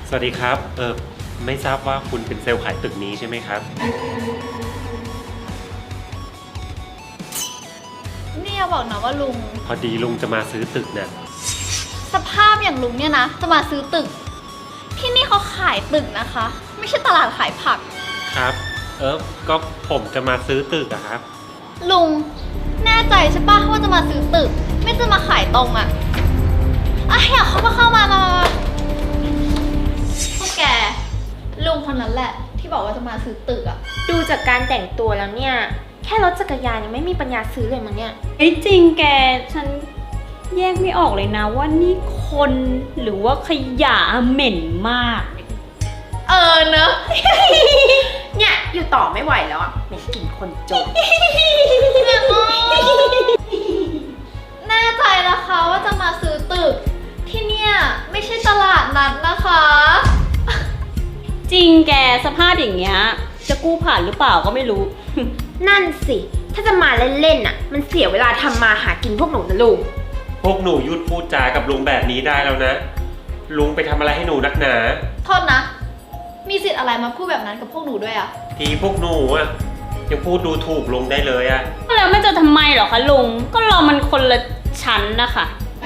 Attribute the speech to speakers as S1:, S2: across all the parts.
S1: สวัสดีครับไม่ทราบว่าคุณเป็นเซลล์ขายตึกนี้ใช่ไหมครับ
S2: นี่อย่าบอกนะว่าลุง
S1: พอดีลุงจะมาซื้อตึกเนี่ย
S2: สภาพอย่างลุงเนี่ยนะจะมาซื้อตึกที่นี่เขาขายตึกนะคะ ไม่ใช่ตลาดขายผัก
S1: ครับก็ผมจะมาซื้อตึกอะครับ
S2: ลุงแน่ใจใช่ปะว่าจะมาซื้อตึกไม่จะมาขายตรงอะอยากเข้ามาพวกแกลุงคนนั้นแหละที่บอกว่าจะมาซื้อตึกอะ
S3: ดูจากการแต่งตัวแล้วเนี่ยแค่รถจักรยานยังไม่มีปัญญาซื้อเลยมั้งเนี่ย
S4: จริงแกฉันแยกไม่ออกเลยนะว่านี่คนหรือว่าขยะเหม็นมาก
S2: เนอะ
S3: เนี่ยอยู่ต่อไม่ไหวแล้วอ่ะเหม็นกลิ่นคนจน
S2: แน่ใจนะคะว่าจะมาซื้อตึกที่เนี่ยไม่ใช่ตลาดนัดนะคะ
S4: จริงแกสภาพอย่างเงี้ยจะกู้ผ่านหรือเปล่าก็ไม่รู้
S3: นั่นสิถ้าจะมาเล่นๆน่ะมันเสียเวลาทำมาหากินพวกหนูนะลุง
S1: พวกหนูหยุดพูดจากับลุงแบบนี้ได้แล้วนะลุงไปทำอะไรให้หนูนักหนา
S2: โทษนะมีสิทธิ์อะไรมาพูดแบบนั้นกับพวกหนูด้วยอะ
S1: ทีพวกหนูอะยังพูดดูถูกลุงได้เลยอะ
S4: แล้วไม่จะทำไมหรอคะลุงก็เรามันคนละชั้นนะคะ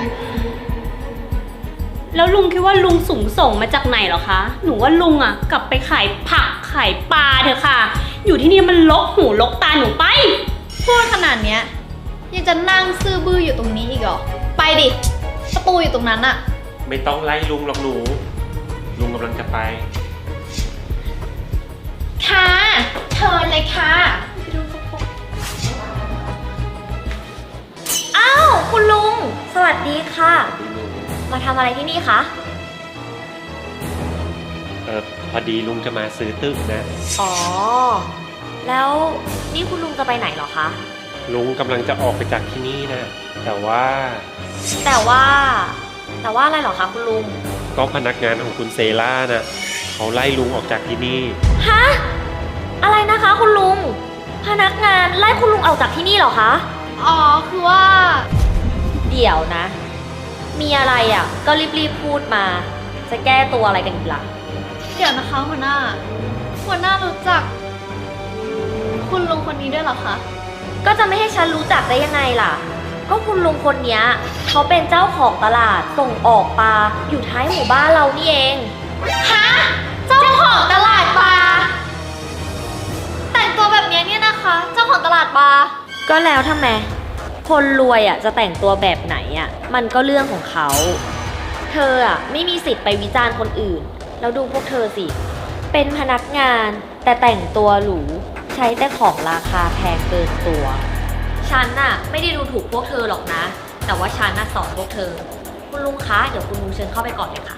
S4: แล้วลุงคิดว่าลุงสูงส่งมาจากไหนหรอคะหนูว่าลุงอะกลับไปขายผักขายปลาเถอะค่ะอยู่ที่นี่มันลกหูลกตาหนูไป
S2: พูดขนาดเนี้ยยังจะนั่งซื่อบื้ออยู่ตรงนี้อีกเหรอไปดิประตูอยู่ตรงนั้นอะ
S1: ไม่ต้องไล่ลุงหรอกหนูลุงกำลังจะไป
S3: ค่ะเชิญเลยค่ะอ้าวคุณลุงสวัสดีค่ะมาทำอะไรที่นี่คะ
S1: พอดีลุงจะมาซื้อตึกนะ
S3: อ๋อแล้วนี่คุณลุงจะไปไหนเหรอคะ
S1: ลุงกำลังจะออกไปจากที่นี่นะแต่ว่า
S3: อะไรเหรอคะคุณลุง
S1: ก็พนักงานของคุณเซล่าน่ะเขาไล่ลุงออกจากที่นี่
S3: ฮะอะไรนะคะคุณลุงพนักงานไล่คุณลุงออกจากที่นี่เหรอคะ
S2: อ๋อคือว่า
S3: เดี๋ยวนะมีอะไรอ่ะก็รีบพูดมาจะแก้ตัวอะไรกันอีกล่ะ
S2: เดี๋ยวนะคะหัวหน้ารู้จักคุณลุงคนนี้ด้วยเหรอคะ
S3: ก็จะไม่ให้ฉันรู้จักได้ยังไงล่ะก็คุณลุงคนนี้เขาเป็นเจ้าของตลาดส่งออกปลาอยู่ท้ายหมู่บ้านเรานี่เอง
S2: ฮะเจ้าของตลาดปลาแต่งตัวแบบนี้เนี่ยนะคะเจ้าของตลาดปลา
S3: ก็แล้วทำไมคนรวยอ่ะจะแต่งตัวแบบไหนอ่ะมันก็เรื่องของเขาเธออ่ะไม่มีสิทธิ์ไปวิจารณ์คนอื่นแล้วดูพวกเธอสิเป็นพนักงานแต่แต่งตัวหรูใช้แต่ของราคาแพงเกินตัวฉันน่ะไม่ได้ดูถูกพวกเธอหรอกนะแต่ว่าฉันน่ะสอนพวกเธอคุณลุงคะเดี๋ยวคุณลุงเชิญเข้าไปก่อนเลยค่ะ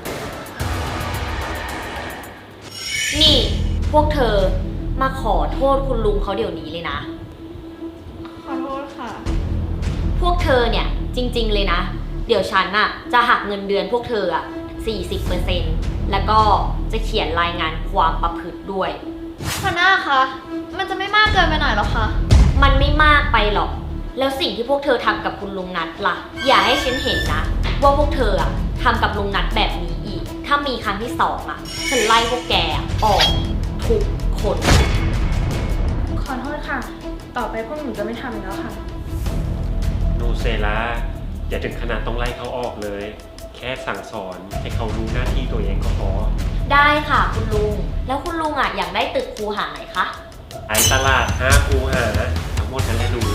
S3: นี่พวกเธอมาขอโทษคุณลุงเขาเดี๋ยวนี้เลยนะ
S2: ขอโทษค่ะ
S3: พวกเธอเนี่ยจริงๆเลยนะเดี๋ยวฉันน่ะจะหักเงินเดือนพวกเธออ่ะ 40% แล้วก็จะเขียนรายงานความประพฤติด้วย
S2: หัวหน้าคะมันจะไม่มากเกินไปหน่อยหรอคะ
S3: มันไม่มากไปหรอกแล้วสิ่งที่พวกเธอทำกับคุณลุงนัทล่ะอย่าให้ฉันเห็นนะว่าพวกเธออ่ะทำกับลุงนัทแบบนี้อีกถ้ามีครั้งที่2อ่ะฉันไล่พวกแกออกทุกคน
S4: ขอโทษค่ะต่อไปพวกหนูจะไม่ทำอีกแล้วค่ะ
S1: หนูเซล่าอย่าถึงขนาดต้องไล่เขาออกเลยแค่สั่งสอนให้เขารู้หน้าที่ตัวเองก็พอ
S3: ได้ค่ะคุณลุงแล้วคุณลุงอ่ะอยากได้ตึกคูหาไหนคะ
S1: ไอ้ตลาด5คูหาทั้งหมดนั้นแหละหนู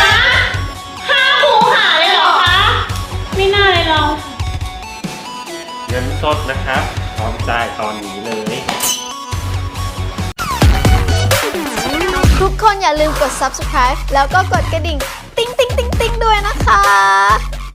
S3: 5คูหาเลยเหรอคะ
S4: ไม่น่าเลยเรา
S1: เงินสดนะครับพร้อมจ่ายตอนนี้เลย
S2: ทุกคนอย่าลืมกด subscribe แล้วก็กดกระดิ่งติ๊งติ๊งติ๊งติ๊งด้วยนะคะ